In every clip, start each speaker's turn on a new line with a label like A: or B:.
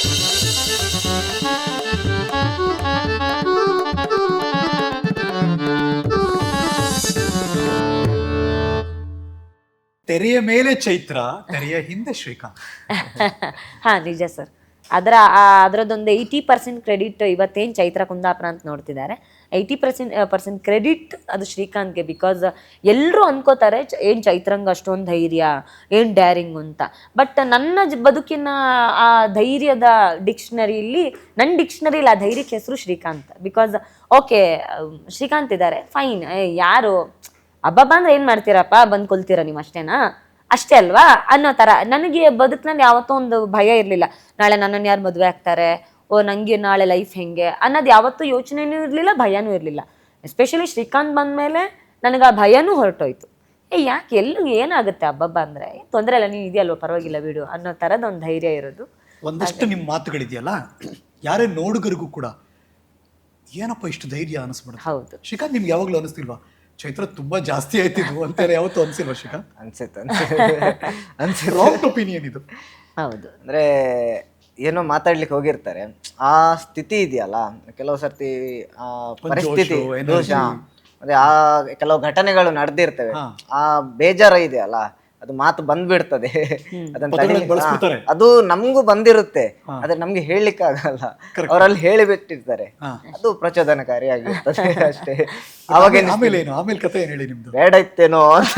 A: ತೆರೆಯ ಮೇಲೆ ಚೈತ್ರ, ತೆರೆಯ ಹಿಂದೆ ಶ್ರೀಕಾಂತ್.
B: ಹಾ ನಿಜ ಸರ್. ಅದರದೊಂದು 80% ಕ್ರೆಡಿಟ್ ಇವತ್ತೇನು ಚೈತ್ರ ಕುಂದಾಪುರ ಅಂತ ನೋಡ್ತಿದ್ದಾರೆ, 80% ಕ್ರೆಡಿಟ್ ಅದು ಶ್ರೀಕಾಂತ್ಗೆ. ಬಿಕಾಸ್ ಎಲ್ಲರೂ ಅನ್ಕೋತಾರೆ ಏನು ಚೈತ್ರಂಗೆ ಅಷ್ಟೊಂದು ಧೈರ್ಯ, ಏನು ಡ್ಯಾರಿಂಗ್ ಅಂತ. ಬಟ್ ನನ್ನ ಬದುಕಿನ ಆ ಧೈರ್ಯದ ಡಿಕ್ಷನರಿಲಿ, ನನ್ನ ಡಿಕ್ಷನರಿಲಿ ಆ ಧೈರ್ಯಕ್ಕೆ ಹೆಸರು ಶ್ರೀಕಾಂತ್. ಬಿಕಾಸ್ ಓಕೆ ಶ್ರೀಕಾಂತ್ ಇದ್ದಾರೆ ಫೈನ್, ಯಾರು ಹಬ್ಬ ಅಂದ್ರೆ ಏನು ಮಾಡ್ತೀರಪ್ಪ, ಬಂದು ಕೊಲ್ತೀರ ನೀವು ಅಷ್ಟೇನಾ, ಅಷ್ಟೇ ಅಲ್ವಾ ಅನ್ನೋ ಥರ. ನನಗೆ ಬದುಕಿನಲ್ಲಿ ಯಾವತ್ತೂ ಒಂದು ಭಯ ಇರಲಿಲ್ಲ, ನಾಳೆ ನನ್ನನ್ನು ಯಾರು ಮದುವೆ ಆಗ್ತಾರೆ, ಓ ನನಗೆ ನಾಳೆ ಲೈಫ್ ಹೆಂಗೆ ಅನ್ನೋದು ಯಾವತ್ತೂ ಯೋಚನೆನೂ ಇರಲಿಲ್ಲ, ಭಯನೂ ಇರಲಿಲ್ಲ. ಎಸ್ಪೆಷಲಿ ಶ್ರೀಕಾಂತ್ ಬಂದಮೇಲೆ ನನಗೆ ಆ ಭಯನೂ ಹೊರಟೋಯ್ತು. ಯಾಕೆ ಎಲ್ಲೂ ಏನಾಗುತ್ತೆ ಹಬ್ಬ ಅಂದರೆ ತೊಂದರೆ ಇಲ್ಲ, ನೀವು ಇದೆಯಲ್ವ ಪರವಾಗಿಲ್ಲ ಬಿಡು ಅನ್ನೋ ಥರದ ಒಂದು ಧೈರ್ಯ ಇರೋದು.
A: ಒಂದಷ್ಟು ನಿಮ್ಮ ಮಾತುಗಳಿದೆಯಲ್ಲ, ಯಾರೇ ನೋಡುಗರಿಗೂ ಕೂಡ ಏನಪ್ಪ ಇಷ್ಟು ಧೈರ್ಯ ಅನಿಸ್ಬಿಡುತ್ತೆ.
B: ಹೌದು.
A: ಶ್ರೀಕಾಂತ್ ನಿಮ್ಗೆ ಯಾವಾಗಲೂ ಅನಿಸ್ತಿಲ್ವಾ ಚೈತ್ರ ತುಂಬಾ ಜಾಸ್ತಿ ಆಯ್ತಿದ್ವು ಅಂತಾರೆ? ಯಾವತ್ತೂ ಅನ್ಸಿಲ್ವಾ ಶ್ರೀಕಾಂತ್?
C: ಅನ್ಸುತ್ತೆ
A: ರಾಂಗ್ ಒಪಿನಿಯನ್ ಇದು.
B: ಹೌದು.
C: ಅಂದ್ರೆ ಏನೋ ಮಾತಾಡ್ಲಿಕ್ಕೆ ಹೋಗಿರ್ತಾರೆ, ಆ ಸ್ಥಿತಿ ಇದೆಯಲ್ಲ ಕೆಲವು ಸರ್ತಿ, ಆ ಪರಿಸ್ಥಿತಿ ದೋಷ, ಅಂದ್ರೆ ಆ ಕೆಲವು ಘಟನೆಗಳು ನಡೆದಿರ್ತವೆ, ಆ ಬೇಜಾರ ಇದೆಯಲ್ಲ ಅದು ಮಾತು ಬಂದ್ಬಿಡ್ತದೆ. ಅದನ್ನ ಅದು ನಮ್ಗೂ ಬಂದಿರುತ್ತೆ, ಆದ್ರೆ ನಮ್ಗೆ ಹೇಳಲಿಕ್ಕೆ ಆಗಲ್ಲ, ಅವರಲ್ಲಿ ಹೇಳಿಬಿಟ್ಟಿರ್ತಾರೆ, ಅದು ಪ್ರಚೋದನಕಾರಿಯಾಗಿರ್ತದೆ ಅಷ್ಟೇ. ಅವಾಗ
A: ಆಮೇಲೆ ಕಥೆ ಏನ್ ಹೇಳಿ ನಿಮ್ದು?
C: ಬೇಡ ಇತ್ತೇನೋ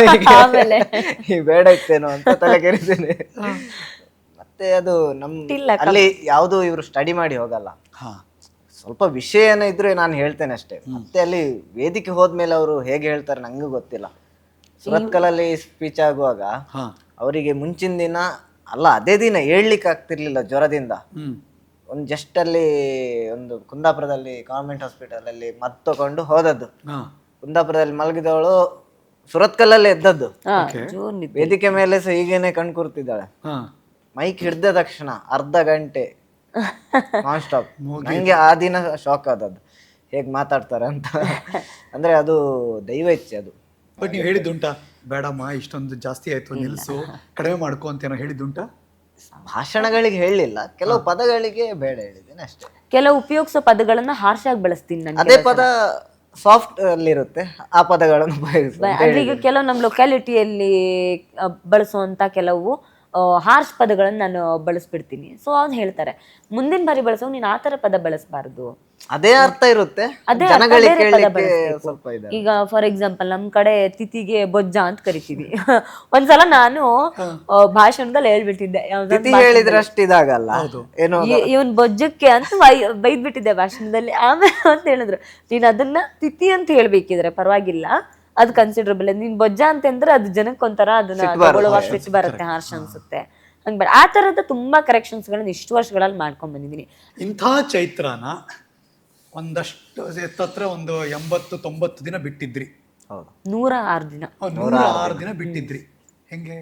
C: ಬೇಡ ಇತ್ತೇನೋ ಅಂತ ತಲೆ ಕೆರಿತೇನೆ. ಮತ್ತೆ ಅದು ಅಲ್ಲಿ ಯಾವುದು ಇವರು ಸ್ಟಡಿ ಮಾಡಿ ಹೋಗಲ್ಲ, ಸ್ವಲ್ಪ ವಿಷಯ ಏನೋ ಇದ್ರೆ ನಾನು ಹೇಳ್ತೇನೆ ಅಷ್ಟೇ. ಮತ್ತೆ ಅಲ್ಲಿ ವೇದಿಕೆ ಹೋದ್ಮೇಲೆ ಅವರು ಹೇಗೆ ಹೇಳ್ತಾರೆ ನಂಗೂ ಗೊತ್ತಿಲ್ಲ. ಸುರತ್ಕಲಲ್ಲಿ ಸ್ಪೀಚ್ ಆಗುವಾಗ ಅವರಿಗೆ ಮುಂಚಿನ ದಿನ ಅಲ್ಲ, ಅದೇ ದಿನ ಹೇಳ್ಲಿಕ್ಕೆ ಆಗ್ತಿರ್ಲಿಲ್ಲ ಜ್ವರದಿಂದ. ಒಂದು ಜಸ್ಟ್ ಅಲ್ಲಿ ಒಂದು ಕುಂದಾಪುರದಲ್ಲಿ ಗವರ್ಮೆಂಟ್ ಹಾಸ್ಪಿಟಲ್ ಅಲ್ಲಿ ಮದ್ದು ತಗೊಂಡು ಹೋದದ್ದು, ಕುಂದಾಪುರದಲ್ಲಿ ಮಲಗಿದವಳು ಸುರತ್ಕಲಲ್ಲೇ ಎದ್ದದ್ದು. ವೇದಿಕೆ ಮೇಲೆ ಸಹ ಹೀಗೇನೆ ಕಣ್ ಕೂರ್ತಿದ್ದಾಳೆ. ಮೈಕ್ ಹಿಡ್ದ ತಕ್ಷಣ ಅರ್ಧ ಗಂಟೆ ನಾನ್ ಸ್ಟಾಪ್. ನಂಗೆ ಆ ದಿನ ಶಾಕ್ ಆದದ್ದು, ಹೇಗ್ ಮಾತಾಡ್ತಾರೆ ಅಂತ. ಅಂದ್ರೆ ಅದು ದೈವ ಇಚ್ಛೆ ಅದು.
A: ಬಟ್ ನೀವು ಹೇಳಿದ್ದುಂಟಾ ಬೇಡಮ್ಮ ಇಷ್ಟೊಂದು ಜಾಸ್ತಿ ಆಯ್ತು ನಿಲ್ಸು, ಕಡಿಮೆ ಮಾಡ್ಕೊ ಅಂತ ಏನೋ ಹೇಳಿದ್ದುಂಟಾ?
C: ಭಾಷಣಗಳಿಗೆ ಹೇಳಲಿಲ್ಲ, ಕೆಲವು ಪದಗಳಿಗೆ ಬೇಡ ಹೇಳಿದ್ದೇನೆ ಅಷ್ಟೇ.
B: ಕೆಲವು ಉಪಯೋಗಿಸೋ ಪದಗಳನ್ನ ಹಾರ್ಶ್ ಆಗಿ ಬಳಸ್ತೀನಿ ನಾನು.
C: ಅದೇ ಪದ ಸಾಫ್ಟ್ ಅಲ್ಲಿ ಇರುತ್ತೆ, ಆ ಪದಗಳನ್ನು ಉಪಯೋಗಿಸ್ತೀನಿ.
B: ಈಗ ಕೆಲವು ನಮ್ಮ ಲೊಕ್ಯಾಲಿಟಿಯಲ್ಲಿ ಬಳಸುವಂತ ಕೆಲವು ಹಾರ್ಶ್ ಪದಗಳನ್ನು ನಾನು ಬಳಸ್ಬಿಡ್ತೀನಿ. ಸೊ ಅವ್ನು ಹೇಳ್ತಾರೆ ಮುಂದಿನ ಬಾರಿ ಬಳಸೋ ನೀನು ಆ ಥರ ಪದ ಬಳಸಬಾರ್ದು,
C: ಅದೇ ಅರ್ಥ ಇರುತ್ತೆ,
B: ಅದೇ
C: ಸ್ವಲ್ಪ ಇದೆ.
B: ಈಗ ಫಾರ್ ಎಕ್ಸಾಂಪಲ್ ನಮ್ ಕಡೆ ತಿಥಿಗೆ ಬೊಜ್ಜ ಅಂತ ಕರಿತೀವಿ. ಒಂದ್ಸಲ ನಾನು ಭಾಷಣದಲ್ಲಿ ಹೇಳ್ಬಿಟ್ಟಿದ್ದೆ,
C: ಹೇಳಿದ್ರಷ್ಟು ಇದಾಗಲ್ಲ ಏನೋ
B: ಇವನ್ ಬೊಜ್ಜಕ್ಕೆ ಅಂತ ಬೈದ್ಬಿಟ್ಟಿದ್ದೆ ಭಾಷಣದಲ್ಲಿ. ಆಮೇಲೆ ಅಂತ ಹೇಳಿದ್ರು ನೀನ್ ಅದನ್ನ ತಿಥಿ ಅಂತ ಹೇಳ್ಬೇಕಿದ್ರೆ ಪರವಾಗಿಲ್ಲ, ಅದು ಕನ್ಸಿಡರಬಲ್. ನೀನ್ ಬೊಜ್ಜ ಅಂತಂದ್ರೆ ಅದು ಜನಕ್ಕೊಂಥರ ಅದನ್ನ ತಗೊಳ್ಳುವಾಗ ಸಿಟ್ಟು ಬರುತ್ತೆ, ಹಾರ್ಷ್ ಅನ್ಸುತ್ತೆ. ಹಂಗೆ ಆ ತರದ ತುಂಬಾ ಕರೆಕ್ಷನ್ಸ್ ಗಳನ್ನ ಇಷ್ಟು ವರ್ಷಗಳಲ್ಲಿ ಮಾಡ್ಕೊಂಡ್ ಬಂದಿದ್ದೀನಿ.
A: ಇಂಥ ಚೈತ್ರನ ಒಂದಷ್ಟು ಹತ್ರ ಒಂದು 80-90 ದಿನ ಬಿಟ್ಟಿದ್ರಿ.
B: 106 ದಿನ
A: 106 ದಿನ ಬಿಟ್ಟಿದ್ರಿ. ಹೆಂಗೆ?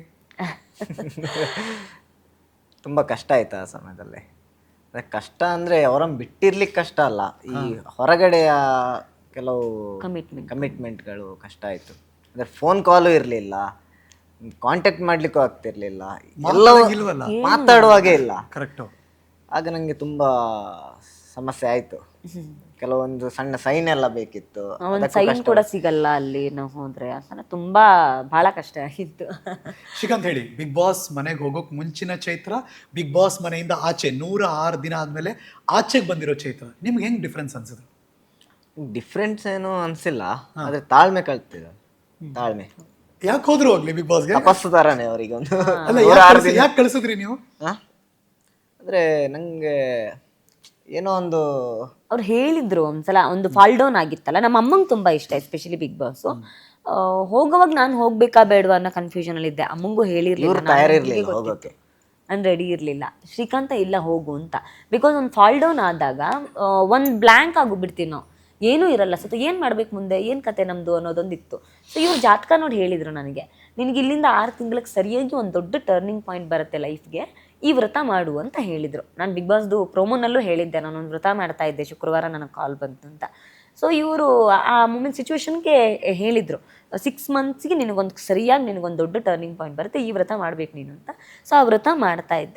C: ತುಂಬಾ ಕಷ್ಟ ಆಯ್ತು ಆ ಸಮಯದಲ್ಲಿ. ಕಷ್ಟ ಅಂದ್ರೆ ಅವರನ್ನು ಬಿಟ್ಟಿರ್ಲಿಕ್ಕೆ ಕಷ್ಟ ಅಲ್ಲ, ಈ ಹೊರಗಡೆಯ ಕೆಲವು ಕಮಿಟ್ಮೆಂಟ್ಗಳು ಕಷ್ಟ ಆಯ್ತು. ಅಂದ್ರೆ ಫೋನ್ ಕಾಲು ಇರಲಿಲ್ಲ, ಕಾಂಟ್ಯಾಕ್ಟ್ ಮಾಡ್ಲಿಕ್ಕೂ ಆಗ್ತಿರ್ಲಿಲ್ಲ, ಎಲ್ಲ ಮಾತಾಡುವಾಗೇ ಇಲ್ಲ.
A: ಕರೆಕ್ಟ್.
C: ಆಗ ನಂಗೆ ತುಂಬಾ ಸಮಸ್ಯೆ ಆಯ್ತು. ಕೆಲವೊಂದು ಸಣ್ಣ ಸೈನ್ ಎಲ್ಲ ಬೇಕಿತ್ತು,
B: ಸೈನ್ ಕೂಡ ಸಿಗಲ್ಲ ಅಲ್ಲಿ ನಾವು ಹೋದ್ರೆ. ತುಂಬಾ ಬಹಳ ಕಷ್ಟ ಆಗಿತ್ತು.
A: ಶ್ರೀಕಾಂತ್ ಹೇಳಿ, ಬಿಗ್ ಬಾಸ್ ಮನೆಗೆ ಹೋಗೋಕ್ ಮುಂಚಿನ ಚೈತ್ರ, ಬಿಗ್ ಬಾಸ್ ಮನೆಯಿಂದ ಆಚೆ 106 ದಿನ ಆದ್ಮೇಲೆ ಆಚೆಗೆ ಬಂದಿರೋ ಚೈತ್ರ, ನಿಮ್ಗೆ ಹೆಂಗ್ ಡಿಫ್ರೆನ್ಸ್ ಅನ್ಸಿದ್ರು?
C: ಡಿಫ್ರೆನ್ಸ್ ಏನು ಅನ್ಸಿಲ್ಲ, ಆದ್ರೆ ತಾಳ್ಮೆ ಕಲ್ತಿದ. ತಾಳ್ಮೆ
A: ಯಾಕೆ ಹೋದ್ರು ಹೋಗ್ಲಿ ಬಿಗ್ ಬಾಸ್ಗೆ?
C: ತಪಸ್ಸು ತರಾನೆ ಅವರಿಗೆ ಒಂದು.
A: ಯಾಕೆ ಕಳಿಸಿದ್ರಿ ನೀವು?
C: ಅಂದ್ರೆ ನಂಗೆ ಏನೋ ಒಂದು
B: ಅವ್ರು ಹೇಳಿದ್ರು ಒಂದ್ಸಲ, ಒಂದು ಫಾಲ್ ಡೌನ್ ಆಗಿತ್ತಲ್ಲ, ನಮ್ಮ ಅಮ್ಮಂಗೆ ತುಂಬಾ ಇಷ್ಟ ಎಸ್ಪೆಷಲಿ ಬಿಗ್ ಬಾಸ್. ಹೋಗುವಾಗ ನಾನು ಹೋಗ್ಬೇಕಾ ಬೇಡವಾ ಅನ್ನೋ ಕನ್ಫ್ಯೂಷನ್ ಅಲ್ಲಿ ಇದ್ದೆ. ಅಮ್ಮಂಗೂ ಹೇಳಿರ್ಲಿಲ್ಲ, ನಾನು ರೆಡಿ ಇರ್ಲಿಲ್ಲ. ಶ್ರೀಕಾಂತ ಇಲ್ಲ ಹೋಗು ಅಂತ. ಬಿಕಾಸ್ ಒಂದು ಫಾಲ್ ಡೌನ್ ಆದಾಗ ಒಂದು ಬ್ಲ್ಯಾಂಕ್ ಆಗಿಬಿಡ್ತೀವಿ ನಾವು, ಏನೂ ಇರಲ್ಲ. ಸೊ ಏನು ಮಾಡ್ಬೇಕು ಮುಂದೆ, ಏನು ಕತೆ ನಮ್ಮದು ಅನ್ನೋದೊಂದಿತ್ತು. ಸೊ ಇವ್ರು ಜಾತಕ ನೋಡಿ ಹೇಳಿದರು ನನಗೆ, ನಿನಗೆ ಇಲ್ಲಿಂದ 6 ತಿಂಗಳಿಗೆ ಸರಿಯಾಗಿ ಒಂದು ದೊಡ್ಡ ಟರ್ನಿಂಗ್ ಪಾಯಿಂಟ್ ಬರುತ್ತೆ ಲೈಫ್ಗೆ, ಈ ವ್ರತ ಮಾಡು ಅಂತ ಹೇಳಿದರು. ನಾನು ಬಿಗ್ ಬಾಸ್ದು ಪ್ರೋಮೋನಲ್ಲೂ ಹೇಳಿದ್ದೆ, ನಾನೊಂದು ವ್ರತ ಮಾಡ್ತಾ ಇದ್ದೆ, ಶುಕ್ರವಾರ ನನಗೆ ಕಾಲ್ ಬಂತು ಅಂತ. ಸೊ ಇವರು ಆ ಮೂಮೆಂಟ್ ಸಿಚುವೇಶನ್ಗೆ ಹೇಳಿದರು, 6 ಮಂತ್ಸ್ಗೆ ನಿನಗೊಂದು ಸರಿಯಾಗಿ ನಿನಗೊಂದು ದೊಡ್ಡ ಟರ್ನಿಂಗ್ ಪಾಯಿಂಟ್ ಬರುತ್ತೆ, ಈ ವ್ರತ ಮಾಡ್ಬೇಕು ನೀನು ಅಂತ. ಸೊ ಆ ವ್ರತ ಮಾಡ್ತಾ ಇದ್ದೆ.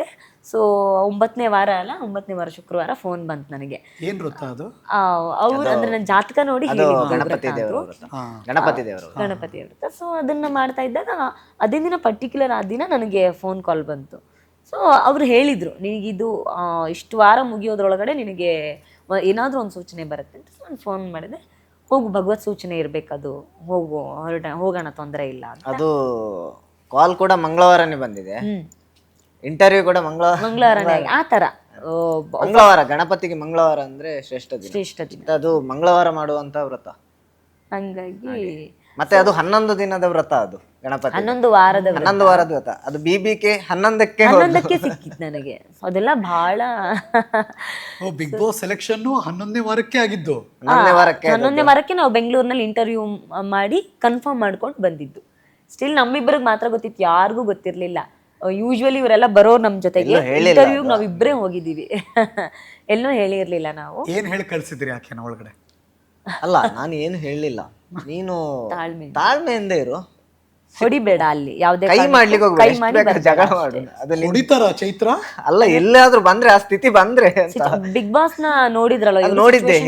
B: ಸೊ 9ನೇ ವಾರ ಅಲ್ಲ, 9ನೇ ವಾರ ಶುಕ್ರವಾರ ಫೋನ್ ಬಂತು ನನಗೆ.
A: ಏನ್ ವೃತ್ತ ಅದು?
B: ಅವ್ರು ಅಂದ್ರೆ ನನ್ನ ಜಾತಕ ನೋಡಿ ಹೇಳಿದ್ರು
C: ಗಣಪತಿ
B: ವ್ರತ
C: ದೇವರ
B: ಅದು.
C: ವ್ರತ. ಗಣಪತಿ ದೇವರು
B: ಗಣಪತಿ ವ್ರತ. ಸೊ ಅದನ್ನ ಮಾಡ್ತಾ ಇದ್ದಾಗ ಅದೇ ದಿನ ಪರ್ಟಿಕ್ಯುಲರ್ ಆ ದಿನ ನನಗೆ ಫೋನ್ ಕಾಲ್ ಬಂತು. ಸೊ ಅವ್ರು ಹೇಳಿದ್ರು, ನಿನಗಿದು ಇಷ್ಟು ವಾರ ಮುಗಿಯೋದ್ರೊಳಗಡೆ ನಿನಗೆ ಏನಾದರೂ ಒಂದು ಸೂಚನೆ ಬರುತ್ತೆ ಅಂತ. ನಾನು ಫೋನ್ ಮಾಡಿದೆ, ಹೋಗು ಭಗವತ್ ಸೂಚನೆ ಇರಬೇಕದು, ಹೋಗು ಹೋಗೋಣ, ತೊಂದರೆ ಇಲ್ಲ ಅಂತ.
C: ಅದು ಕಾಲ್ ಕೂಡ ಮಂಗಳವಾರನೇ ಬಂದಿದೆ, ಇಂಟರ್ವ್ಯೂ ಕೂಡ
B: ಮಂಗಳವಾರನೇ ಆ ಥರ.
C: ಮಂಗಳವಾರ ಗಣಪತಿಗೆ ಮಂಗಳವಾರ ಅಂದ್ರೆ ಶ್ರೇಷ್ಠ ದಿನ.
B: ಶ್ರೇಷ್ಠ ದಿನ.
C: ಅದು ಮಂಗಳವಾರ ಮಾಡುವಂತ ವ್ರತ.
B: ಹಂಗಾಗಿ
C: ಮತ್ತೆ ಅದು 11 ದಿನದ ವ್ರತ. ಅದು ಗಣಪತಿ
B: 11 ವಾರದ
C: 11 ವಾರದ ವ್ರತ. ಅದು BBK 11ಕ್ಕೆ
B: ಸಿಕ್ಕಿತ್ತು ನನಗೆ. ಅದೆಲ್ಲ ಬಹಳ
A: ಬಿಗ್ ಬಾಸ್ ಸೆಲೆಕ್ಷನ್ 11ನೇ ವಾರಕ್ಕೆ ಆಗಿದ್ದು.
C: 11ನೇ
B: ವಾರಕ್ಕೆ ನಾವು ಬೆಂಗಳೂರಿನಲ್ಲಿ ಇಂಟರ್ವ್ಯೂ ಮಾಡಿ ಕನ್ಫರ್ಮ್ ಮಾಡ್ಕೊಂಡು ಬಂದಿದ್ದು. ಸ್ಟಿಲ್ ನಮ್ಮಿಬ್ಬರಿಗೆ ಮಾತ್ರ ಗೊತ್ತಿತ್ತು, ಯಾರಿಗೂ ಗೊತ್ತಿರ್ಲಿಲ್ಲ. ಯೂಶ್ವಲಿ ಇವರೆಲ್ಲ ಬರೋರು ನಮ್ ಜೊತೆಗೆ, ಇಂಟರ್ವ್ಯೂ ನಾವ್ ಇಬ್ಬರೇ ಹೋಗಿದ್ದೀವಿ. ಎಲ್ಲೂ ಹೇಳಿರ್ಲಿಲ್ಲ ನಾವು.
A: ಏನ್ ಹೇಳಿ ಕಳ್ಸಿದ್ರಿ ಆಕೆನ ಒಳಗಡೆ?
C: ಅಲ್ಲ, ನಾನು ಏನು ಹೇಳಲಿಲ್ಲ. ನೀನು ತಾಳ್ಮೆಯಿಂದ ಇರು,
B: ಹೊಡಿಬೇಡ, ಅಲ್ಲಿ ಯಾವ್ದೇ
C: ಕೈ ಮಾಡ್ಲಿಕ್ಕೆ ಹೋಗ್ಬೇಡ, ಜಗಳ ಮಾಡು. ಅದು
A: ಹೊಡಿತಾರ ಚೈತ್ರ?
C: ಅಲ್ಲ, ಎಲ್ಲಾದ್ರೂ ಬಂದ್ರೆ ಆ ಸ್ಥಿತಿ ಬಂದ್ರೆ
B: ಬಿಗ್ ಬಾಸ್ ನ ನೋಡಿದ್ರಲ್ಲ,
C: ನೋಡಿದ್ದೆ,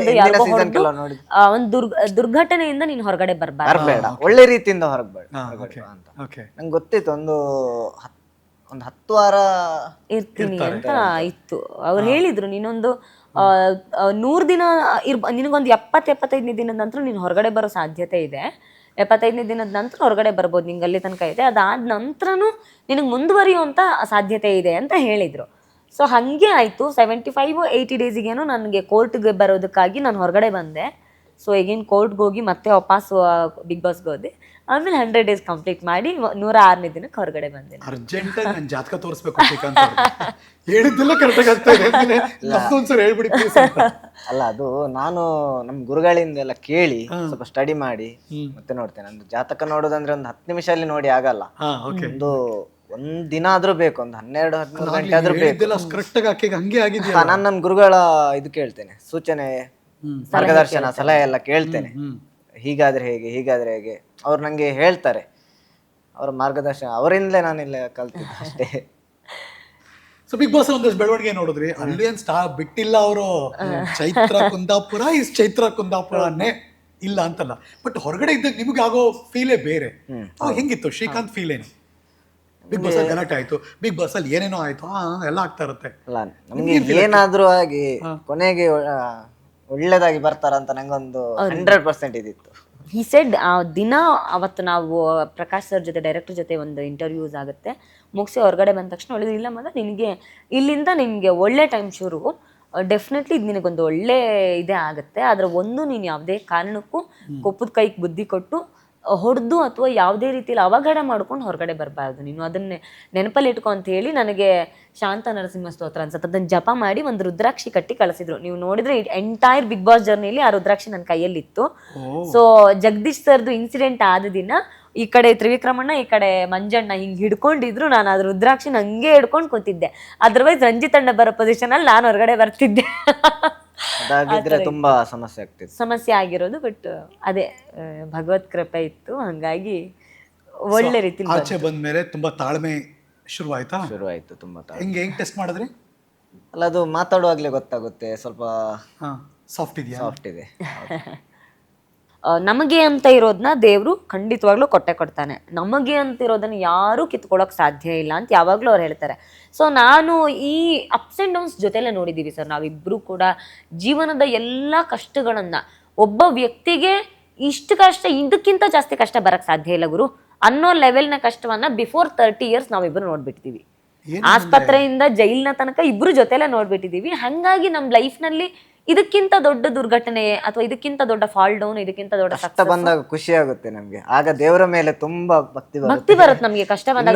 B: ಒಂದು ದುರ್ಘಟನೆಯಿಂದ ನೀನ್ ಹೊರಗಡೆ
C: ಬರ್ಬೇಡ, ಒಳ್ಳೆ ರೀತಿಯಿಂದ ಹೊರಗೆ ಅಂತ ನಂಗೆ ಗೊತ್ತಿತ್ತು. ಒಂದು 10 ವಾರ
B: ಇರ್ತೀನಿ ಅಂತ ಇತ್ತು. ಅವ್ರು ಹೇಳಿದ್ರು, ನೀನೊಂದು 100 ದಿನ ನಿನಗೊಂದು 70-75ನೇ ದಿನದ ನಂತರ ನೀನು ಹೊರಗಡೆ ಬರೋ ಸಾಧ್ಯತೆ ಇದೆ. 75ನೇ ದಿನದ ನಂತರ ಹೊರಗಡೆ ಬರ್ಬೋದು, ನಿಂಗೆ ಅಲ್ಲಿ ತನಕ ಇದೆ. ಅದಾದ ನಂತರನೂ ನಿನಗೆ ಮುಂದುವರಿಯುವಂಥ ಸಾಧ್ಯತೆ ಇದೆ ಅಂತ ಹೇಳಿದರು. ಸೊ ಹಾಗೆ ಆಯಿತು. 75-80 ಡೇಸಿಗೇನೋ ನನಗೆ ಕೋರ್ಟ್ಗೆ ಬರೋದಕ್ಕಾಗಿ ನಾನು ಹೊರಗಡೆ ಬಂದೆ. ಸೊ ಈಗೇನು ಕೋರ್ಟ್ಗೆ ಹೋಗಿ ಮತ್ತೆ ವಾಪಸ್ ಬಿಗ್ ಬಾಸ್ಗೆ ಹೋದೆ. ಆಮೇಲೆ 100 ಡೇಸ್ ಕಂಪ್ಲೀಟ್ ಮಾಡಿ 106ನೇ ದಿನಕ್ಕೆ ಹೊರಗಡೆ ಬಂದೆ.
A: ಅರ್ಜೆಂಟಾಗಿ ನಾನು ಜಾತಕ ತೋರಿಸ್ಬೇಕು ಶ್ರೀಕಾಂತ್ ಹೇಳಿದ್ದೆಲ್ಲ ಕರೆಕ್ಟಾಗಿ ಆಗ್ತಾ ಇದೆ, ಒಂದ್ಸರಿ ಹೇಳ್ಬಿಡಿ ಪ್ಲೀಸ್.
C: ಅಲ್ಲ, ಅದು ನಾನು ನಮ್ಮ ಗುರುಗಳಿಂದ ಎಲ್ಲ ಕೇಳಿ ಸ್ವಲ್ಪ ಸ್ಟಡಿ ಮಾಡಿ ಮತ್ತೆ ನೋಡ್ತೇನೆ. ನಂದು ಜಾತಕ ನೋಡೋದಂದ್ರೆ ಒಂದು 10 ನಿಮಿಷ ಅಲ್ಲಿ ನೋಡಿ ಆಗಲ್ಲ. ಒಂದ್ ದಿನ ಆದ್ರೂ ಬೇಕು, ಒಂದು 12-13 ಗಂಟೆ ಆದ್ರೂ ಬೇಕು. ನಾನು ನನ್ನ ಗುರುಗಳ ಇದು ಕೇಳ್ತೇನೆ, ಸೂಚನೆ, ಮಾರ್ಗದರ್ಶನ, ಸಲಹೆ ಎಲ್ಲ ಕೇಳ್ತೇನೆ. ಹೀಗಾದ್ರೆ ಹೇಗೆ, ಹೀಗಾದ್ರೆ ಹೇಗೆ, ಅವ್ರು ನಂಗೆ ಹೇಳ್ತಾರೆ. ಅವರ ಮಾರ್ಗದರ್ಶನ ಅವರಿಂದಲೇ ನಾನಿಲ್ಲ ಕಲ್ತಿದ್ದೆ ಅಷ್ಟೇ.
A: ಸೊ ಬಿಗ್ ಬಾಸ್ ಒಂದಷ್ಟು ಬೆಳವಣಿಗೆ ನೋಡಿದ್ರಿ, ಅಲ್ಲಿ ಏನ್ ಬಿಟ್ಟಿಲ್ಲ ಅವರು. ಚೈತ್ರ ಕುಂದಾಪುರ ಇಸ್ ಚೈತ್ರ ಕುಂದಾಪುರನೇ ಇಲ್ಲ ಅಂತಲ್ಲ, ಬಟ್ ಹೊರಗಡೆ ಇದ್ದಾಗ ನಿಮ್ಗೆ ಆಗೋ ಫೀಲೇ ಬೇರೆ. ಹೆಂಗಿತ್ತು ಶ್ರೀಕಾಂತ್ ಫೀಲ್ ಏನು? ಬಿಗ್ ಬಾಸ್ ಅಲ್ಲಿ ಗಲಾಟೆ ಆಯ್ತು, ಬಿಗ್ ಬಾಸ್ ಅಲ್ಲಿ ಏನೇನೋ ಆಯ್ತು, ಎಲ್ಲ ಆಗ್ತಾ ಇರುತ್ತೆ.
C: ಅಲ್ಲ, ನಮ್ಗೆ ಏನಾದ್ರೂ ಆಗಿ ಕೊನೆಗೆ ಒಳ್ಳೇದಾಗಿ ಬರ್ತಾರಂತ ನಂಗೊಂದು 100% ಇದಿತ್ತು.
B: ಹಿ ಸೆಡ್ ದಿನ ಅವತ್ತು ನಾವು ಪ್ರಕಾಶ್ ಸರ್ ಜೊತೆ, ಡೈರೆಕ್ಟರ್ ಜೊತೆ ಒಂದು ಇಂಟರ್ವ್ಯೂಸ್ ಆಗುತ್ತೆ, ಮುಗಿಸಿ ಹೊರಗಡೆ ಬಂದ ತಕ್ಷಣ ಒಳ್ಳೆದು, ಇಲ್ಲ ಮಗ ನಿನಗೆ ಇಲ್ಲಿಂದ ನಿನಗೆ ಒಳ್ಳೆ ಟೈಮ್ ಶುರು, ಡೆಫಿನೆಟ್ಲಿ ಇದು ನಿನಗೊಂದು ಒಳ್ಳೆ ಇದೇ ಆಗುತ್ತೆ. ಆದರೆ ಒಂದು, ನೀನು ಯಾವುದೇ ಕಾರಣಕ್ಕೂ ಕೊಪ್ಪದ ಕೈಗೆ ಬುದ್ಧಿ ಕೊಟ್ಟು ಹೊಡೆದು ಅಥವಾ ಯಾವುದೇ ರೀತಿಯಲ್ಲಿ ಅವಘಡ ಮಾಡ್ಕೊಂಡು ಹೊರಗಡೆ ಬರಬಾರ್ದು, ನೀನು ಅದನ್ನೇ ನೆನಪಲ್ಲಿ ಇಟ್ಕೊ ಅಂತ ಹೇಳಿ ನನಗೆ ಶಾಂತ ನರಸಿಂಹ ಸ್ತೋತ್ರ ಅನ್ಸುತ್ತೆ ಅದನ್ನು ಜಪ ಮಾಡಿ ಒಂದು ರುದ್ರಾಕ್ಷಿ ಕಟ್ಟಿ ಕಳಿಸಿದ್ರು. ನೀವು ನೋಡಿದ್ರೆ ಎಂಟೈರ್ ಬಿಗ್ ಬಾಸ್ ಜರ್ನಿಲಿ ಆ ರುದ್ರಾಕ್ಷಿ ನನ್ನ ಕೈಯಲ್ಲಿತ್ತು. ಸೊ ಜಗದೀಶ್ ಸರ್ದು ಇನ್ಸಿಡೆಂಟ್ ಆದ ದಿನ ಈ ಕಡೆ ತ್ರಿವಿಕ್ರಮಣ್ಣ, ಈ ಕಡೆ ಮಂಜಣ್ಣ ಹಿಂಗೆ ಹಿಡ್ಕೊಂಡಿದ್ರು, ನಾನು ಅದ್ರ ರುದ್ರಾಕ್ಷಿ ಹಂಗೆ ಹಿಡ್ಕೊಂಡು ಕೂತಿದ್ದೆ. ಅದರ್ವೈಸ್ ರಂಜಿತ್ ಅಣ್ಣ ಬರೋ ಪೊಸಿಷನ್ ಅಲ್ಲಿ ನಾನು ಹೊರಗಡೆ ಬರ್ತಿದ್ದೆ.
C: ಅದಾಗಿದ್ರೆ ತುಂಬಾ
B: ಸಮಸ್ಯೆ ಆಗಿರೋದು. ಬಟ್ ಅದೇ ಭಗವತ್ ಕೃಪೆ ಇತ್ತು, ಹಂಗಾಗಿ ಒಳ್ಳೆ ರೀತಿ
A: ಆಚೆ ಬಂದ್ಮೇಲೆ ತುಂಬಾ ತಾಳ್ಮೆ ಶುರುವಾಯ್ತು.
C: ತುಂಬಾ
A: ಹೆಂಗ್ ಟೆಸ್ಟ್ ಮಾಡಿದ್ರಿ?
C: ಅಲ್ಲ, ಅದು ಮಾತಾಡುವಾಗ್ಲೇ ಗೊತ್ತಾಗುತ್ತೆ, ಸ್ವಲ್ಪ
A: ಸಾಫ್ಟ್ ಇದೆ.
B: ನಮಗೆ ಅಂತ ಇರೋದನ್ನ ದೇವರು ಖಂಡಿತವಾಗ್ಲೂ ಕೊಡ್ತಾನೆ. ನಮಗೆ ಅಂತ ಇರೋದನ್ನ ಯಾರೂ ಕಿತ್ಕೊಳ್ಳೋಕೆ ಸಾಧ್ಯ ಇಲ್ಲ ಅಂತ ಯಾವಾಗಲೂ ಅವ್ರು ಹೇಳ್ತಾರೆ. ಸೊ ನಾನು ಈ ಅಪ್ಸ್ ಆ್ಯಂಡ್ ಡೌನ್ಸ್ ಜೊತೆಲೇ ನೋಡಿದ್ದೀವಿ ಸರ್. ನಾವಿಬ್ಬರು ಕೂಡ ಜೀವನದ ಎಲ್ಲ ಕಷ್ಟಗಳನ್ನು, ಒಬ್ಬ ವ್ಯಕ್ತಿಗೆ ಇಷ್ಟು ಕಷ್ಟ, ಇದಕ್ಕಿಂತ ಜಾಸ್ತಿ ಕಷ್ಟ ಬರೋಕ್ಕೆ ಸಾಧ್ಯ ಇಲ್ಲ ಗುರು ಅನ್ನೋ ಲೆವೆಲ್ನ ಕಷ್ಟವನ್ನ ಬಿಫೋರ್ 30 years ನಾವಿಬ್ಬರು ನೋಡ್ಬಿಟ್ಟಿದ್ದೀವಿ. ಆಸ್ಪತ್ರೆಯಿಂದ ಜೈಲಿನ ತನಕ ಇಬ್ರು ಜೊತೆಲೆ ನೋಡ್ಬಿಟ್ಟಿದ್ದೀವಿ. ಹಾಗಾಗಿ ನಮ್ಮ ಲೈಫ್ನಲ್ಲಿ ಇದಕ್ಕಿಂತ ದೊಡ್ಡ ದುರ್ಘಟನೆ ಅಥವಾ ಇದಕ್ಕಿಂತ ದೊಡ್ಡ ಫಾಲ್ ಡೌನ್, ಇದಕ್ಕಿಂತ ದೊಡ್ಡ
C: ಕಷ್ಟ ಬಂದಾಗ ಖುಷಿ ಆಗುತ್ತೆ ನಮ್ಗೆ. ಆಗ ದೇವರ ಮೇಲೆ ತುಂಬಾ ಭಕ್ತಿ ಬರುತ್ತೆ
B: ನಮ್ಗೆ. ಕಷ್ಟ ಬಂದಾಗ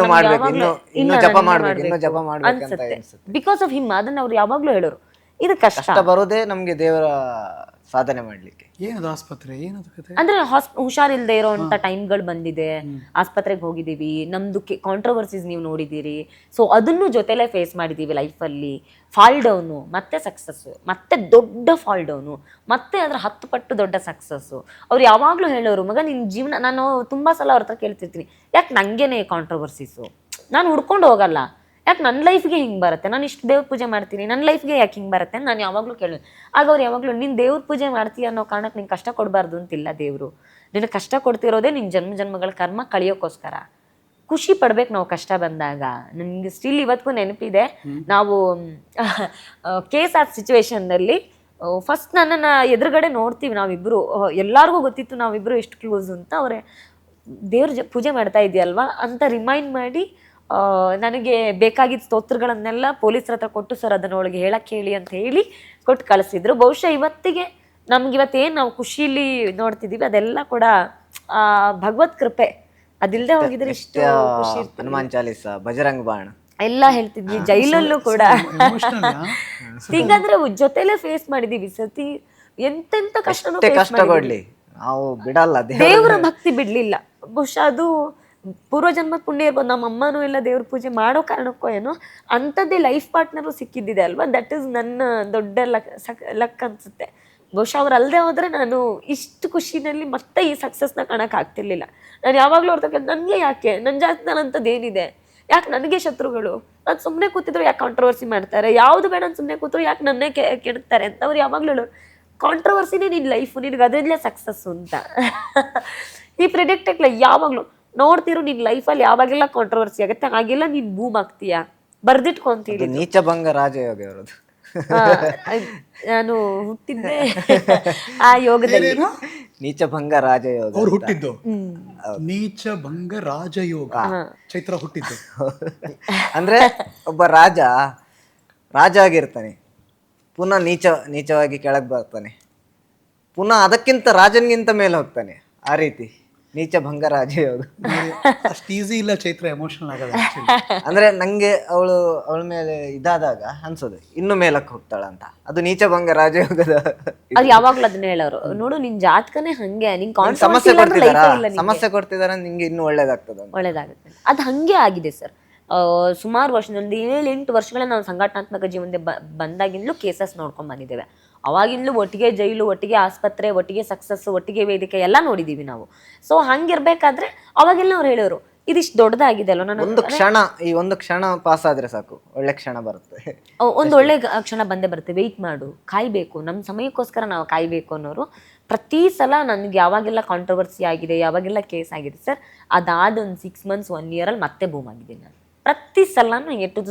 B: ಅನ್ಸುತ್ತೆ ಬಿಕಾಸ್ ಆಫ್ ಹಿಮ್. ಅದನ್ನ ಅವ್ರು ಯಾವಾಗ್ಲೂ ಹೇಳೋರು, ಇದು ಕಷ್ಟ
C: ಬರೋದೇ ನಮ್ಗೆ ದೇವರ ಸಾಧನೆ ಮಾಡ್ಲಿಕ್ಕೆ.
A: ಏನದು ಆಸ್ಪತ್ರೆ, ಏನದು ಕತೆ?
B: ಅಂದ್ರೆ ಹುಷಾರಿಲ್ದೇ ಇರೋಂಥ ಟೈಮ್ಗಳು ಬಂದಿದೆ, ಆಸ್ಪತ್ರೆಗೆ ಹೋಗಿದ್ದೀವಿ, ನಮ್ದು ಕಾಂಟ್ರವರ್ಸೀಸ್ ನೀವು ನೋಡಿದ್ದೀರಿ. ಸೊ ಅದನ್ನು ಜೊತೆಲೇ ಫೇಸ್ ಮಾಡಿದ್ದೀವಿ ಲೈಫಲ್ಲಿ. ಫಾಲ್ ಡೌನು, ಮತ್ತೆ ಸಕ್ಸಸ್ಸು, ಮತ್ತೆ ದೊಡ್ಡ ಫಾಲ್ ಡೌನು, ಮತ್ತೆ ಅದರ 10 ಪಟ್ಟು ದೊಡ್ಡ ಸಕ್ಸಸ್ಸು. ಅವ್ರು ಯಾವಾಗಲೂ ಹೇಳೋರು, ಮಗ ನಿನ್ನ ಜೀವನ, ನಾನು ತುಂಬ ಸಲ ಅವ್ರ ಹತ್ರ ಕೇಳ್ತಿರ್ತೀನಿ, ಯಾಕೆ ನನಗೇನೆ ಕಾಂಟ್ರವರ್ಸೀಸು, ನಾನು ಹುಡ್ಕೊಂಡು ಹೋಗಲ್ಲ, ಯಾಕೆ ನನ್ನ ಲೈಫ್ಗೆ ಹಿಂಗೆ ಬರುತ್ತೆ, ನಾನು ಇಷ್ಟು ದೇವ್ರ ಪೂಜೆ ಮಾಡ್ತೀನಿ, ನನ್ನ ಲೈಫ್ಗೆ ಯಾಕೆ ಹಿಂಗೆ ಬರುತ್ತೆ ನಾನು ಯಾವಾಗಲೂ ಕೇಳೋದು. ಆಗ ಅವ್ರು ಯಾವಾಗಲೂ ನೀನು ದೇವ್ರ ಪೂಜೆ ಮಾಡ್ತೀಯ ಅನ್ನೋ ಕಾರಣಕ್ಕೆ ನಿಂಗೆ ಕಷ್ಟ ಕೊಡಬಾರ್ದು ಅಂತಿಲ್ಲ ದೇವರು. ನಿನಗೆ ಕಷ್ಟ ಕೊಡ್ತಿರೋದೇ ನಿನ್ನ ಜನ್ಮಗಳ ಕರ್ಮ ಕಳಿಯೋಕ್ಕೋಸ್ಕರ. ಖುಷಿ ಪಡ್ಬೇಕು ನಾವು ಕಷ್ಟ ಬಂದಾಗ. ನನಗೆ ಸ್ಟಿಲ್ ಇವತ್ತಿಗೂ ನೆನಪಿದೆ, ನಾವು KSR ಸಿಚುವೇಶನ್ನಲ್ಲಿ ಫಸ್ಟ್ ನನ್ನನ್ನು ಎದುರುಗಡೆ ನೋಡ್ತೀವಿ ನಾವಿಬ್ಬರು, ಎಲ್ಲರಿಗೂ ಗೊತ್ತಿತ್ತು ನಾವಿಬ್ಬರು ಎಷ್ಟು ಕ್ಲೋಸ್ ಅಂತ. ಅವರೇ ದೇವ್ರ ಪೂಜೆ ಮಾಡ್ತಾ ಇದೆಯಲ್ವಾ ಅಂತ ರಿಮೈಂಡ್ ಮಾಡಿ ನನಗೆ ಬೇಕಾಗಿದ್ದ ಸ್ತೋತ್ರಗಳನ್ನೆಲ್ಲ ಪೊಲೀಸರ ಹತ್ರ ಕೊಟ್ಟು, ಸರ್ ಅದನ್ನ ಒಳಗೆ ಹೇಳಕ್ಕೆ ಹೇಳಿ ಅಂತ ಹೇಳಿ ಕೊಟ್ಟು ಕಳಿಸಿದ್ರು. ಬಹುಶಃ ಇವತ್ತಿಗೆ ನಮ್ಗಿವತ್ತೇನು ನಾವು ಖುಷಿಲಿ ನೋಡ್ತಿದ್ದೀವಿ ಅದೆಲ್ಲ ಕೂಡ ಭಗವತ್ ಕೃಪೆ. ಅದಿಲ್ಲದೆ ಹೋಗಿದ್ರೆ ಇಷ್ಟು ಖುಷಿ ಇರ್ತಿತ್ತು.
C: ಹನುಮಾನ್ ಚಾಲೀಸ, ಬಜರಂಗ್ ಬಾಣ
B: ಎಲ್ಲ ಹೇಳ್ತಿದ್ವಿ. ಜೈಲಲ್ಲೂ ಕೂಡ ಹೀಗಾದ್ರೆ ಜೊತೆಲೆ ಫೇಸ್ ಮಾಡಿದೀವಿ ಸತಿ. ಎಂತೆಂತ ಕಷ್ಟನೂ
C: ಕಷ್ಟ ಕೊಡ್ಲಿ ನಾವು ಬಿಡಲ್ಲ.
B: ದೇವರ ಭಕ್ತಿ ಬಿಡ್ಲಿಲ್ಲ. ಬಹುಶಃ ಅದು ಪೂರ್ವಜನ್ಮದ ಪುಣ್ಯ ಇರ್ಬೋದು. ನಮ್ಮ ಅಮ್ಮನೂ ಎಲ್ಲ ದೇವ್ರ ಪೂಜೆ ಮಾಡೋ ಕಾರಣಕ್ಕೋ ಏನೋ ಅಂಥದ್ದೇ ಲೈಫ್ ಪಾರ್ಟ್ನರು ಸಿಕ್ಕಿದ್ದಿದೆ ಅಲ್ವಾ. ದಟ್ ಈಸ್ ನನ್ನ ದೊಡ್ಡ ಲಕ್ ಅನ್ಸುತ್ತೆ. ಬಹುಶಃ ಅವ್ರು ಅಲ್ಲದೆ ಹೋದ್ರೆ ನಾನು ಇಷ್ಟು ಖುಷಿನಲ್ಲಿ ಮತ್ತೆ ಈ ಸಕ್ಸಸ್ನ ಕಾಣಕ್ಕೆ ಆಗ್ತಿರ್ಲಿಲ್ಲ. ನಾನು ಯಾವಾಗಲೂ ಅವ್ರ ನನಗೆ ಯಾಕೆ ನನ್ನ ಜಾತಕದಂಥದ್ದು ಏನಿದೆ, ಯಾಕೆ ನನಗೆ ಶತ್ರುಗಳು, ನಾನು ಸುಮ್ಮನೆ ಕೂತಿದ್ರು ಯಾಕೆ ಕಾಂಟ್ರವರ್ಸಿ ಮಾಡ್ತಾರೆ, ಯಾವುದು ಬೇಡ ನಾನು ಸುಮ್ಮನೆ ಕೂತ್ರು ಯಾಕೆ ನನ್ನೇ ಕೆಡುತ್ತಾರೆ ಅಂತ ಅವ್ರು ಯಾವಾಗಲೂ ಹೇಳೋರು. ಕಾಂಟ್ರವರ್ಸಿನೇ ನಿನ್ನ ಲೈಫು, ನಿನಗೆ ಅದರಲ್ಲೇ ಸಕ್ಸಸ್ಸು ಅಂತ. ಈ ಪ್ರಿಡಿಕ್ಟೆಕ್ಲ ಯಾವಾಗಲೂ ನೋಡ್ತಿರು ನಿನ್ನ ಲೈಫಲ್ಲಿ ಯಾವಾಗೆಲ್ಲ ಕಾಂಟ್ರವರ್ಸಿ ಆಗುತ್ತೆ ಹಾಗೆಲ್ಲ ನೀನು ಬೂಮ್ ಆಗ್ತೀಯಾ, ಬರ್ದಿಟ್ಕೊಂತೀರಿ.
C: ನೀಚಭಂಗ ರಾಜಯೋಗ ಅವರದು.
B: ನಾನು ಹುಟ್ಟಿದ್ದೆ ಆ ಯೋಗದಲ್ಲಿ.
C: ನೀಚಭಂಗ ರಾಜಯೋಗ
A: ಅವ್ರು ಹುಟ್ಟಿದ್ದು ನೀಚಭಂಗ ರಾಜಯೋಗ. ಚೈತ್ರ ಹುಟ್ಟಿದ್ದು
C: ಅಂದ್ರೆ ಒಬ್ಬ ರಾಜ ಆಗಿರ್ತಾನೆ, ಪುನಃ ನೀಚವಾಗಿ ಕೆಳಗೆ ಬರ್ತಾನೆ, ಪುನಃ ಅದಕ್ಕಿಂತ ರಾಜನ್ಗಿಂತ ಮೇಲೆ ಹೋಗ್ತಾನೆ. ಆ ರೀತಿ ನೀಚಭಂಗ ರಾಜಯೋಗ.
A: ಅಷ್ಟು ಈಸಿ ಇಲ್ಲ ಚೈತ್ರ ಎಮೋಷನಲ್ ಆಗೋದು.
C: ಅಂದ್ರೆ ನಂಗೆ ಅವಳ ಮೇಲೆ ಇದಾದಾಗ ಅನ್ಸೋದು ಇನ್ನು ಮೇಲಕ್ಕೆ ಹೋಗ್ತಾಳಂತ. ಅದು ನೀಚಭಂಗ ರಾಜಯೋಗದ.
B: ಅವ್ರು ಯಾವಾಗ್ಲೂ ಅದನ್ನ ಹೇಳೋರು, ನೋಡು ನಿನ್ ಜಾತಕನೇ ಹಂಗೆ, ನಿನ್
C: ಸಮಸ್ಯೆ ಕೊಡ್ತಿದಾರ ನಿಂಗೆ ಇನ್ನು
B: ಒಳ್ಳೇದಾಗುತ್ತೆ. ಅದು ಹಂಗೆ ಆಗಿದೆ ಸರ್. ಸುಮಾರು ವರ್ಷದಲ್ಲಿ 7-8 ವರ್ಷಗಳ ನಾವು ಸಂಘಟನಾತ್ಮಕ ಜೀವನದ ಬಂದಾಗಿಂದಲೂ ಕೇಸಸ್ ನೋಡ್ಕೊಂಡ್ ಬಂದಿದ್ದೇವೆ. ಅವಾಗಿಂದಲೂ ಒಟ್ಟಿಗೆ ಜೈಲು, ಒಟ್ಟಿಗೆ ಆಸ್ಪತ್ರೆ, ಒಟ್ಟಿಗೆ ಸಕ್ಸಸ್, ಒಟ್ಟಿಗೆ ವೇದಿಕೆ ಎಲ್ಲ ನೋಡಿದೀವಿ ನಾವು. ಸೊ ಹಂಗಿರ್ಬೇಕಾದ್ರೆ ಅವಾಗೆಲ್ಲ ಅವ್ರು ಹೇಳೋರು ಇದಿಷ್ಟು ದೊಡ್ಡದಾಗಿದೆ ಅಲ್ವ. ನಾನು
C: ಒಂದು ಕ್ಷಣ ಪಾಸ್ ಆದ್ರೆ ಸಾಕು, ಒಳ್ಳೆ ಕ್ಷಣ ಬರುತ್ತೆ.
B: ಒಂದು ಒಳ್ಳೆ ಕ್ಷಣ ಬಂದೇ ಬರುತ್ತೆ. ವೆಯ್ಟ್ ಮಾಡು, ಕಾಯ್ಬೇಕು, ನಮ್ಮ ಸಮಯಕ್ಕೋಸ್ಕರ ನಾವು ಕಾಯ್ಬೇಕು ಅನ್ನೋರು. ಪ್ರತಿ ಸಲ ನನಗೆ ಯಾವಾಗೆಲ್ಲ ಕಾಂಟ್ರವರ್ಸಿ ಆಗಿದೆ, ಯಾವಾಗೆಲ್ಲ ಕೇಸ್ ಆಗಿದೆ ಸರ್, ಅದಾದ ಒಂದು 6 months 1 year ಅಲ್ಲಿ ಮತ್ತೆ ಬೂಮ್ ಆಗಿದೆ. ನಾನು ಪ್ರತಿ ಸಲನೂ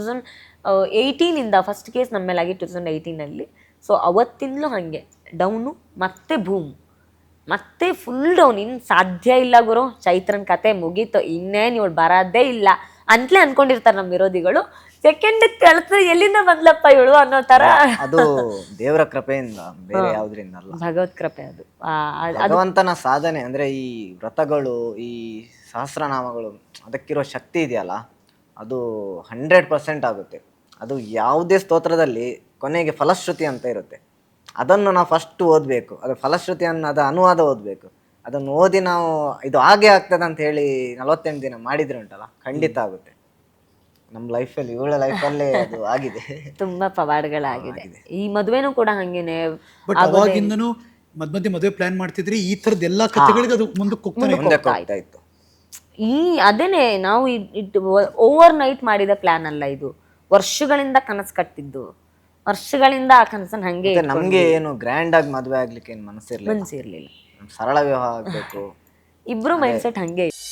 B: 2018 ಫಸ್ಟ್ ಕೇಸ್ ನಮ್ಮ ಮೇಲೆ ಆಗಿ 2018. ಸೊ ಅವತ್ತಿಂದಲೂ ಹಾಗೆ ಡೌನು, ಮತ್ತೆ ಬೂಮ್, ಮತ್ತೆ ಫುಲ್ ಡೌನ್. ಇನ್ನು ಸಾಧ್ಯ ಇಲ್ಲ ಗುರು, ಚೈತ್ರನ್ ಕತೆ ಮುಗೀತು, ಇನ್ನೇನು ಇವಳು ಬರೋದೇ ಇಲ್ಲ ಅಂತಲೇ ಅನ್ಕೊಂಡಿರ್ತಾರೆ ನಮ್ಮ ವಿರೋಧಿಗಳು. ಸೆಕೆಂಡ್ ಕಳ್ಸಿದ್ರೆ ಎಲ್ಲಿಂದ ಬಂದ್ಲಪ್ಪ ಇವಳು ಅನ್ನೋ ತರ.
C: ಅದು ದೇವರ ಕೃಪೆಯಿಂದ, ಬೇರೆ ಯಾವ್ದ್ರಿಂದ ಅಲ್ಲ,
B: ಭಗವತ್ ಕೃಪೆ. ಅದು
C: ಭಗವಂತನ ಸಾಧನೆ. ಅಂದ್ರೆ ಈ ವ್ರತಗಳು, ಈ ಸಹಸ್ರನಾಮಗಳು, ಅದಕ್ಕಿರೋ ಶಕ್ತಿ ಇದೆಯಲ್ಲ, ಅದು 100% ಆಗುತ್ತೆ. ಅದು ಯಾವುದೇ ಸ್ತೋತ್ರದಲ್ಲಿ ಕೊನೆಗೆ ಫಲಶ್ರುತಿ ಅಂತ ಇರುತ್ತೆ. ಅದನ್ನು ನಾವು ಫಸ್ಟ್ ಓದಬೇಕು. ಅದು ಫಲಶ್ರುತಿ ಅದು ಅನುವಾದ ಓದಬೇಕು. ಅದನ್ನು ಓದಿ ನಾವು ಇದು ಹಾಗೆ ಆಗ್ತದೆ ಅಂತ ಹೇಳಿ 48 ದಿನ ಮಾಡಿದ್ರೆ ಉಂಟಲ್ಲ, ಖಂಡಿತ ಆಗುತ್ತೆ. ನಮ್ಮ ಲೈಫಲ್ಲಿ, ಇವಳ ಲೈಫಲ್ಲೇ ಅದು ಆಗಿದೆ.
B: ತುಂಬಾ ಪವಾಡಗಳಾಗಿದೆ. ಈ ಮದುವೆನೂ ಕೂಡ ಹಂಗೇನೆ.
A: ಬಟ್ ಅವಾಗಿಂದನೂ ಮಧ್ಯ ಮದುವೆ ಪ್ಲಾನ್ ಮಾಡ್ತಿದ್ರಿ, ಈ ತರದ ಎಲ್ಲಾ ಕಥೆಗಳಿಗೆ ಅದು ಮುಂದಕ್ಕೆ ಹೋಗ್ತಾ ಇತ್ತು.
B: ಅದೇನೆ ನಾವು ಓವರ್ ನೈಟ್ ಮಾಡಿದ ಪ್ಲಾನ್ ಅಲ್ಲ ಇದು. ವರ್ಷಗಳಿಂದ ಕನಸು ಕಟ್ಟಿದ್ದು, ವರ್ಷಗಳಿಂದ ಆ ಕನಸನ್ನ ಹಂಗೆ.
C: ನಮ್ಗೆ ಏನು ಗ್ರ್ಯಾಂಡ್ ಆಗಿ ಮದುವೆ ಆಗ್ಲಿಕ್ಕೆ ಏನು ಮನಸ್ಸಿರ್ಲಿಲ್ಲ.
B: ಮನಸ್ಸಿರ್ಲಿಲ್ಲ,
C: ಸರಳ ವಿವಾಹ ಆಗ್ಬೇಕು.
B: ಇಬ್ರು ಮೈಂಡ್ ಸೆಟ್ ಹಂಗೆ.